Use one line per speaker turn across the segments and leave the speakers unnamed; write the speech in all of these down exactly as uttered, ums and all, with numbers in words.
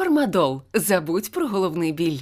Фармадол. Забудь про головний біль.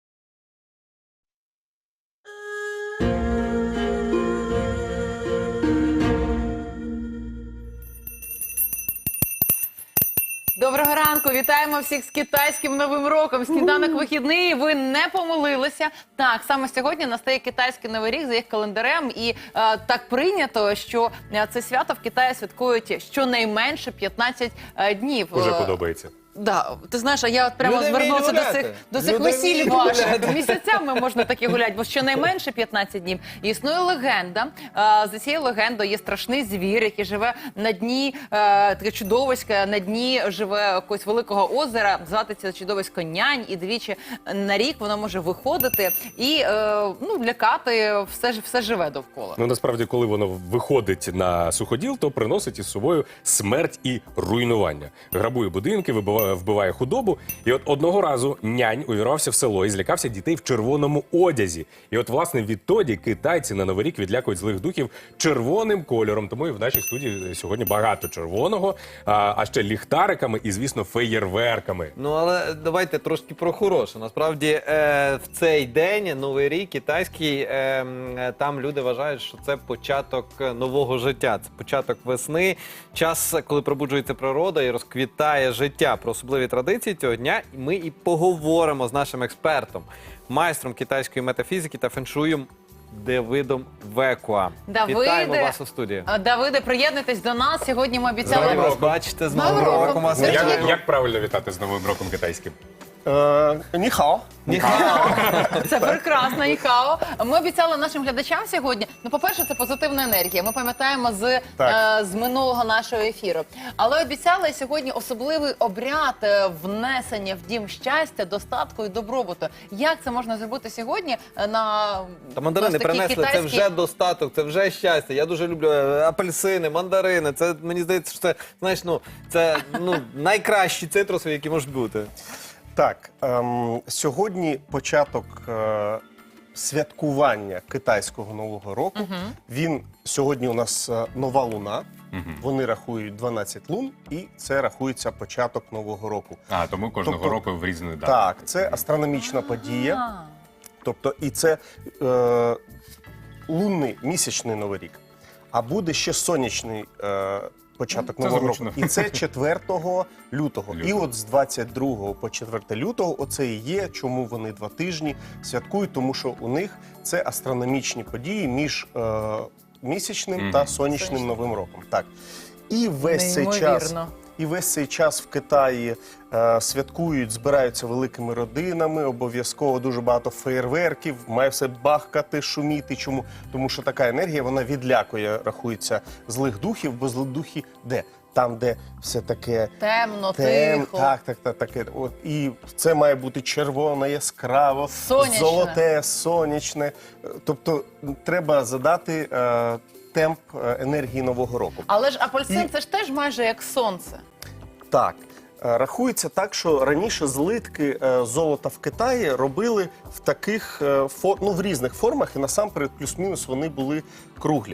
Доброго ранку! Вітаємо всіх з китайським Новим роком! Сніданок вихідний, ви не помилилися. Так, саме сьогодні настає китайський Новий рік за їх календарем. І е, так прийнято, що е, це свято в Китаї святкують щонайменше п'ятнадцять е, днів.
Уже подобається.
Да, ти знаєш, а я от прямо
Люди
звернувся
вміють
до цих,
гуляти.
до цих
Люди
весіль
вміють
ваших.
гуляти.
Місяцями можна такі гуляти, бо щонайменше п'ятнадцять днів. І існує легенда. А, за цією легендою є страшний звір, який живе на дні, е, таке чудовисько, на дні живе якогось великого озера. Звати це чудовисько Нянь. І двічі на рік воно може виходити і е, ну, лякати все, все живе довкола.
Ну, насправді, коли воно виходить на суходіл, то приносить із собою смерть і руйнування. Грабує будинки, вибиває, вбиває худобу. І от одного разу Нянь увірвався в село і злякався дітей в червоному одязі. І от, власне, відтоді китайці на Новий рік відлякують злих духів червоним кольором. Тому і в нашій студії сьогодні багато червоного, а, а ще ліхтариками і, звісно, феєрверками.
Ну, але давайте трошки про хороше. Насправді, е, в цей день, Новий рік, китайський, е, е, там люди вважають, що це початок нового життя. Це початок весни, час, коли пробуджується природа і розквітає життя. Про особливі традиції цього дня ми і поговоримо з нашим експертом, майстром китайської метафізики та феншуєм Давидом Векуа.
Давиде,
Вітаємо вас у студії.
А, Давиде, приєднуйтесь до нас. Сьогодні ми
Раді
обіцяли...
вас бачити з Новим
Новим роком.
роком. вас
Як-
Як,
вітаю.
як правильно вітати з Новим роком китайським?
Е, Ніхао.
Це прекрасно, Ніхао. Ми обіцяли нашим глядачам сьогодні. Ну, по-перше, це позитивна енергія. Ми пам'ятаємо з, е,
Так.
з минулого нашого ефіру. Але обіцяли сьогодні особливий обряд е, внесення в дім щастя, достатку і добробуту. Як це можна зробити сьогодні е, на
Та мандарини
ось такі
принесли, це
китайські-
вже достаток, це вже щастя. Я дуже люблю е, апельсини, мандарини. Це, мені здається, що це, знаєш, ну, це ну, найкращі цитруси, які можуть бути.
Так, ем, сьогодні початок е, святкування китайського Нового року. Він сьогодні у нас е, нова луна. Вони рахують дванадцять лун, і це рахується початок Нового року.
А, тому кожного
Тобто-
року в різну дату.
Так, це астрономічна подія.
А.
Тобто, і це е, лунний місячний Новий рік. А буде ще сонячний е, початок
Це
Нового
зручно.
року. І це четвертого лютого. І
Лютого.
от з двадцять другого по четверте лютого оце і є, чому вони два тижні святкують, тому що у них це астрономічні події між е, місячним
Мгм.
та сонячним
Сонячним.
Новим роком. Так. І весь цей час.
Неймовірно.
І весь цей час в Китаї е, святкують, збираються великими родинами, обов'язково дуже багато феєрверків, має все бахкати, шуміти. Чому? Тому що така енергія, вона відлякує, рахується, злих духів, бо злі духи де? Там, де все таке
Темно,
тем,
тихо.
так, так, так, таке. От, і це має бути червоно, яскраво,
Сонячне.
золоте, сонячне. Е, Тобто треба задати е, темп е, енергії Нового року.
Але ж апельсин
І-
це ж теж майже як сонце.
Так. Е, Рахується так, що раніше злитки е, золота в Китаї робили в таких е, фор... ну, в різних формах, і насамперед плюс-мінус вони були круглі.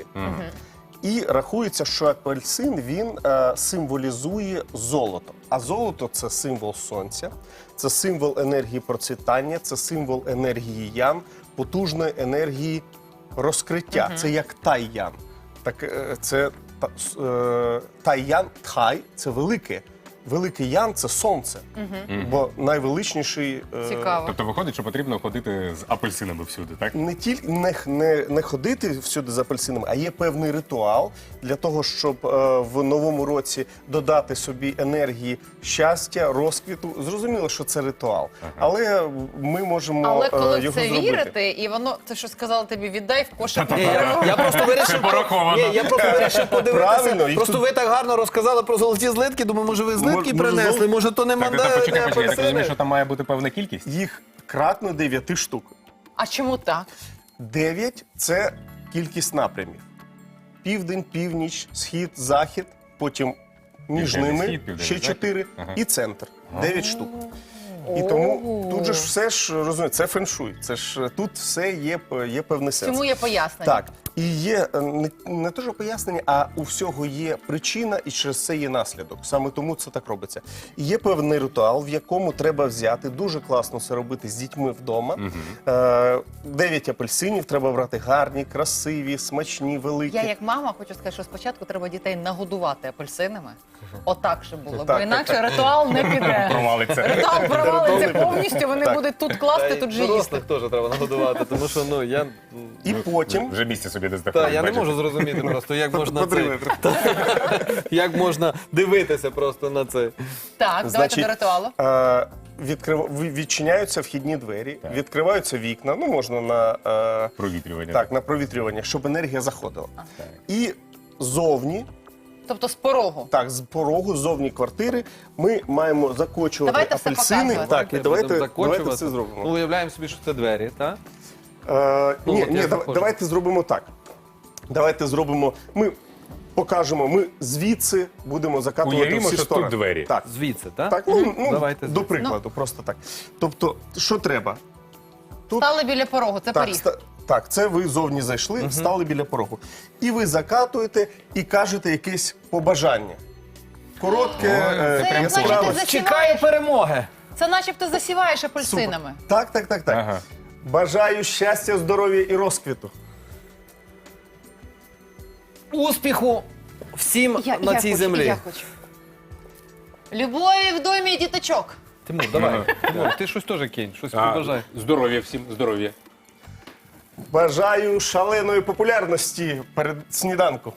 І рахується, що апельсин він е, символізує золото. А золото це символ сонця, це символ енергії процвітання, це символ енергії ян, потужної енергії розкриття. Це як тай-ян. Так, е, це та- с- е, тай-ян, тай це велике. Великий ян це сонце, бо найвеличніший е,
Цікаво.
Тобто виходить, що потрібно ходити з апельсинами всюди, так?
не тільки не, не, не ходити всюди з апельсинами, а є певний ритуал для того, щоб е, в новому році додати собі енергії щастя, розквіту. Зрозуміло, що це ритуал, але ми можемо
Але
е,
коли в
його
це
зробити.
вірити, і воно, це що сказала тобі, віддай в кошик.
Ні, я, я просто вирішив,
пораховано.
Ні, я просто вирішив подивитися.
Правильно, їх
Просто
тут-
ви так гарно розказали про золоті злитки. Думаю, може ви злитки
Може,
принесли,
зол-
може то не
Так, так,
мандарини,
почекай,
не
почекай. Я так розумію,
апельсини.
що там має бути певна кількість.
Їх кратно дев'яти штук.
А чому так?
Дев'ять це кількість напрямів: південь, північ, схід, захід. Потім між
Південний
ними
схід, південний
ще
захід.
чотири
Ага.
і центр. Дев'ять штук. І тому тут же ж все ж розумієте, це феншуй. Це ж тут все є, є певний сенс.
Чому є пояснення?
Так, І є е, не, не те, що пояснення, а у всього є причина і через це є наслідок. Саме тому це так робиться. І є певний ритуал, в якому треба взяти, дуже класно це робити з дітьми вдома. Е, Дев'ять апельсинів треба брати гарні, красиві, смачні, великі.
Я як мама хочу сказати, що спочатку треба дітей нагодувати апельсинами. Отак, щоб було. Бо
Так,
інакше
так, так.
ритуал не піде.
Провалиться.
Ритуал провалиться
Ритуал не
повністю, вони
Так.
будуть тут класти,
Та
тут
й
же їсти.
дорослих теж треба нагодувати, тому що ну я
І потім
Вже місця собі не
та
знаходить.
я не
бачите?
можу зрозуміти просто, як можна це
Подриви.
як можна дивитися просто на це.
Так, давайте до ритуалу.
е, відкрив... ви- відчиняються вхідні двері, відкриваються вікна, ну можна на, е,
Провітрювання.
так, на провітрювання, щоб енергія заходила. І зовні,
Тобто з порогу.
так, з порогу, ззовні квартири, ми маємо закочувати
Давайте все
апельсини.
показувати.
Так, і давайте,
Будемо
давайте
закочувати.
це
Ну,
зробимо.
уявляємо собі, що це двері, так?
Е,
Ну,
ні,
от
ні,
я
дав-
заходжу.
давайте зробимо так. Давайте зробимо, ми покажемо, ми звідси будемо закатувати
Уявімо,
всі
що
сторони.
тут двері.
Так.
Звідси, так?
Так, ну, ну
Давайте
до
звідси.
прикладу, просто так. Тобто, що треба? Тут
Стали біля порогу, це
так,
поріг.
ста- так, це ви зовні зайшли, стали біля порогу. І ви закатуєте і кажете якесь побажання. Коротке, е,
Це, як
яскраве.
наче ти засіваєш,
Чекаю перемоги.
це начебто засіваєш
Супер.
апельсинами.
Так, так, так, так.
Ага.
Бажаю щастя, здоров'я і розквіту.
Успіху всім
Я,
на
я
цій
хочу,
землі.
Я хочу. Любові в домі діточок.
Тимур, давай. Тимур, ти щось теж кинь, щось
А,
побажай.
здоров'я всім, здоров'я.
Бажаю шаленої популярності перед сніданку.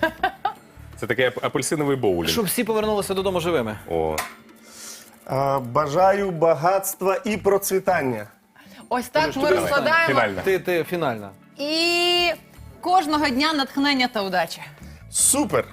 Це такий ап- апельсиновий боулінг.
Щоб всі повернулися додому живими.
О,
А, бажаю багатства і процвітання.
Ось так ми
давай.
розкладаємо.
Фінальна.
Ти, ти фінальна.
І кожного дня натхнення та удачі.
Супер!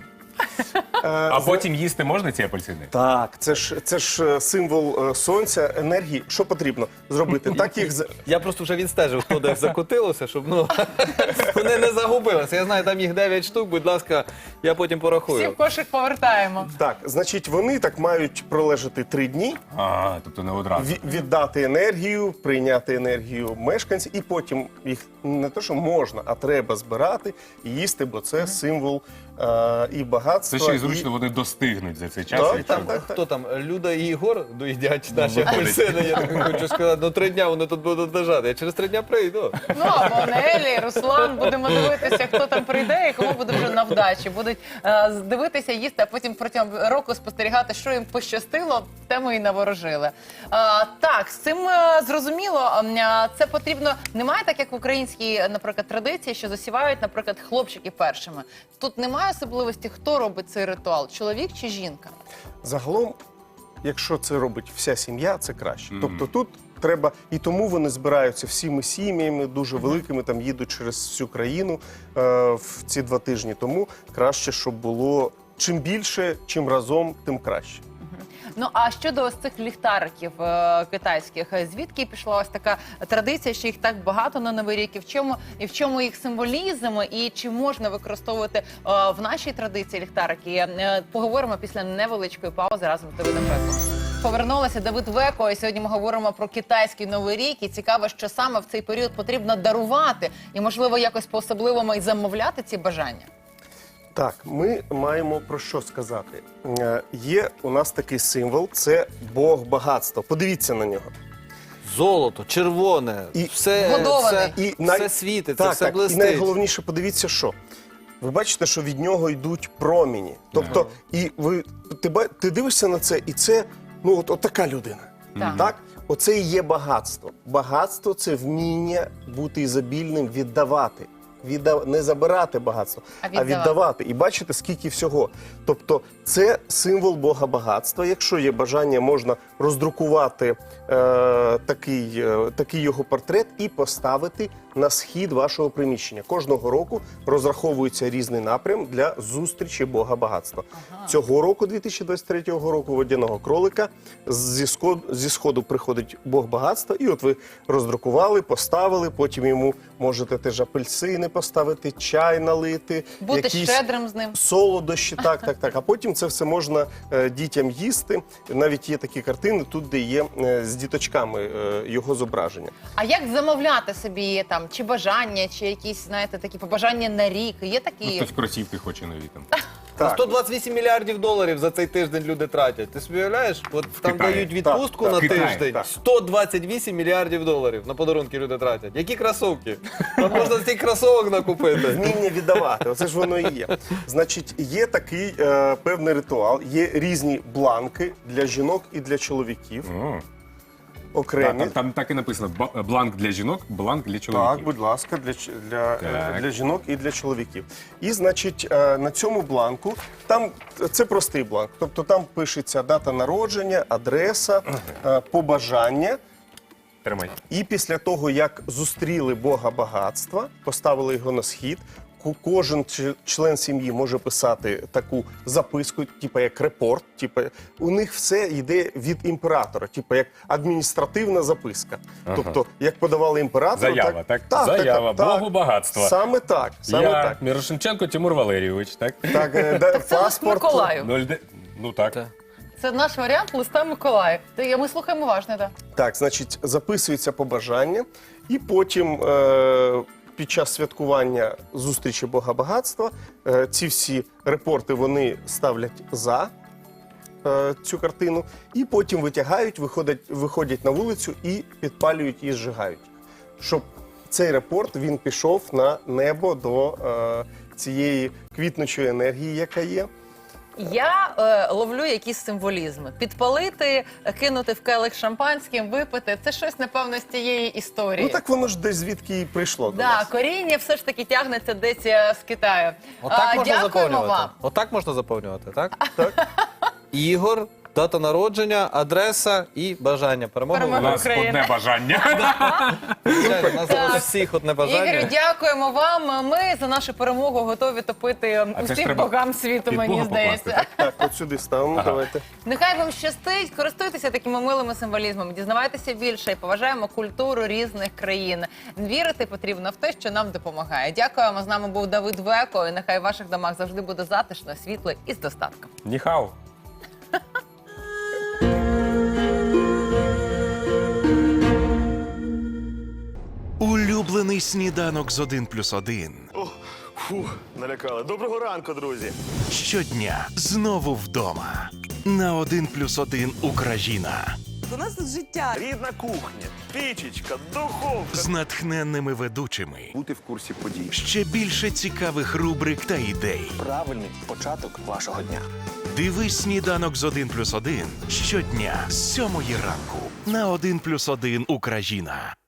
А потім їсти можна ці апельсини?
Так, це ж це ж е, символ е, сонця, енергії. Що потрібно зробити? Так їх з-
Я просто вже відстежив, хто де закотилося, щоб ну, вони не загубилися. Я знаю, там їх дев'ять штук, будь ласка, я потім
Всі
порахую.
в кошик повертаємо.
так. Значить, вони так мають пролежати три дні,
А, тобто не одразу.
ві- віддати енергію, прийняти енергію мешканців, і потім їх не те, що можна, а треба збирати і їсти, бо це символ е, і багатства.
Це ще й
і-
зручно, вони достигнуть за цей час.
Так,
якщо-
так, так.
Хто там, Люда і Ігор доїдять наші
виходить.
апельсини, я так хочу сказати, ну три дня вони тут будуть лежати. Я через три дня прийду.
Ну, або Нелі, Руслан, будемо дивитися, хто там прийде і кому буде вже на вдачі. Будуть е, дивитися, їсти, а потім протягом року спостерігати, що їм пощастило, те ми і наворожили. Е, так, з цим е, зрозуміло. Е, це потрібно, немає так, як в українській, наприклад, традиції, що засівають, наприклад, хлопчики першими. Тут немає особливості, хто робить цей ритуал, чоловік чи жінка?
Загалом, якщо це робить вся сім'я, це краще. Тобто тут треба, і тому вони збираються всіми сім'ями, дуже великими, там їдуть через всю країну е, в ці два тижні. Тому краще, щоб було чим більше, чим разом, тим краще.
Ну а щодо ось цих ліхтариків е, китайських, е, звідки пішла ось така традиція, що їх так багато на Новий рік? І в чому і в чому їх символізм? І чи можна використовувати е, в нашій традиції ліхтарики? Е, поговоримо після невеличкої паузи разом з Давидом Веко. Повернулася Давид Веко, і сьогодні ми говоримо про китайський Новий рік. І цікаво, що саме в цей період потрібно дарувати і, можливо, якось по-особливому і замовляти ці бажання.
Так, ми маємо про що сказати. Е, Є у нас такий символ, це Бог багатства. Подивіться на нього.
Золото, червоне,
І-
все,
Вгодований.
все,
І
все
най-
світить, це
так,
все
так. І
блистить.
найголовніше, подивіться, що. Ви бачите, що від нього йдуть проміні. Тобто, і ви ти, ба- ти дивишся на це, і це ну от, от така людина.
Так.
Так? Оце і є багатство. Багатство це вміння бути ізобільним, віддавати. Віддав... Не забирати багатство,
А
а
віддавати.
віддавати. І бачите, скільки всього. Тобто, це символ Бога багатства. Якщо є бажання, можна роздрукувати е, такий, е, такий його портрет і поставити на схід вашого приміщення. Кожного року розраховується різний напрям для зустрічі Бога багатства. Цього року, дві тисячі двадцять третього року, водяного кролика, зі сходу, зі сходу приходить Бог багатства, і от ви роздрукували, поставили, потім йому можете теж апельсини поставити, чай налити,
Бути
якісь
щедрим з ним.
солодощі, так, так, так. А потім це все можна е, дітям їсти. Навіть є такі картини тут, де є е, з діточками е, його зображення.
А як замовляти собі там там чи бажання, чи якісь, знаєте, такі побажання на рік. Є
Ну,
такі.
хтось кросівки хоче нові там.
Так.
сто двадцять вісім мільярдів доларів за цей тиждень люди тратять. Ти собі уявляєш? От там
Китаї.
дають відпустку
Так,
на
так. Китаї,
тиждень.
так.
сто двадцять вісім мільярдів доларів на подарунки люди тратять. Які кросовки? Там можна стільки кросовок накупити.
Вміння віддавати, оце ж воно і є. Значить, є такий е, певний ритуал, є різні бланки для жінок і для чоловіків.
О.
Окремі.
Там, там так і написано: ба- бланк для жінок, бланк для чоловіків.
Так, будь ласка, для, ч- для,
Так.
е, для жінок і для чоловіків. І, значить, е, на цьому бланку, там це простий бланк, тобто там пишеться дата народження, адреса, е, побажання.
Тримай.
І після того, як зустріли Бога багатства, поставили його на схід, ку- кожен ч- член сім'ї може писати таку записку, типу як репорт. Типу, у них все йде від імператора, типу як адміністративна записка.
Ага.
Тобто, як подавали імператору,
Заява, так? Заява, Богу багатства.
Саме так, саме
Я
так.
Мірошниченко Тимур Валерійович, так?
Так, е, да, паспорт.
Миколаю.
Ноль де- Ну так.
Це наш варіант листа Миколаю. Та ми слухаємо уважно, так.
Так, значить, записується побажання, і потім е, під час святкування зустрічі Бога багатства е, ці всі репорти вони ставлять за е, цю картину, і потім витягають, виходять, виходять на вулицю і підпалюють і зжигають, щоб цей репорт він пішов на небо до е, цієї квітнучої енергії, яка є.
Я е, ловлю якісь символізми. Підпалити, кинути в келих шампанським, випити. Це щось, напевно, з тієї історії.
Ну так воно ж десь звідки і прийшло до
Да,
нас.
коріння все ж таки тягнеться десь е, з Китаю.
Отак
А,
можна
дякуємо
заповнювати.
вам.
Отак можна заповнювати, так? Так. Ігор, дата народження, адреса і бажання. Перемоги.
У
Перемоги.
нас
Україна.
одне бажання.
Звичайно, у нас
Так.
зараз всіх одне
Ігорю,
бажання.
дякуємо вам. Ми за нашу перемогу готові топити
А це ж
усіх
треба
богам світу,
під
мені
Бога покласти,
здається.
Так, от сюди ставимо, давайте.
Нехай вам щастить, користуйтеся такими милими символізмами, дізнавайтеся більше і поважаємо культуру різних країн. Вірити потрібно в те, що нам допомагає. Дякуємо. З нами був Давид Веко. І нехай в ваших домах завжди буде затишно, світло і з достатком.
Ніхау.
Улюблений сніданок з один плюс один.
О, фу, налякали. Доброго ранку, друзі.
Щодня знову вдома. На один плюс один Україна.
У нас тут життя.
Рідна кухня, пічечка, духовка.
З натхненними ведучими.
Бути в курсі подій.
Ще більше цікавих рубрик та ідей.
Правильний початок вашого дня.
Дивись сніданок з один плюс один щодня з сьомої ранку. На один плюс один Україна.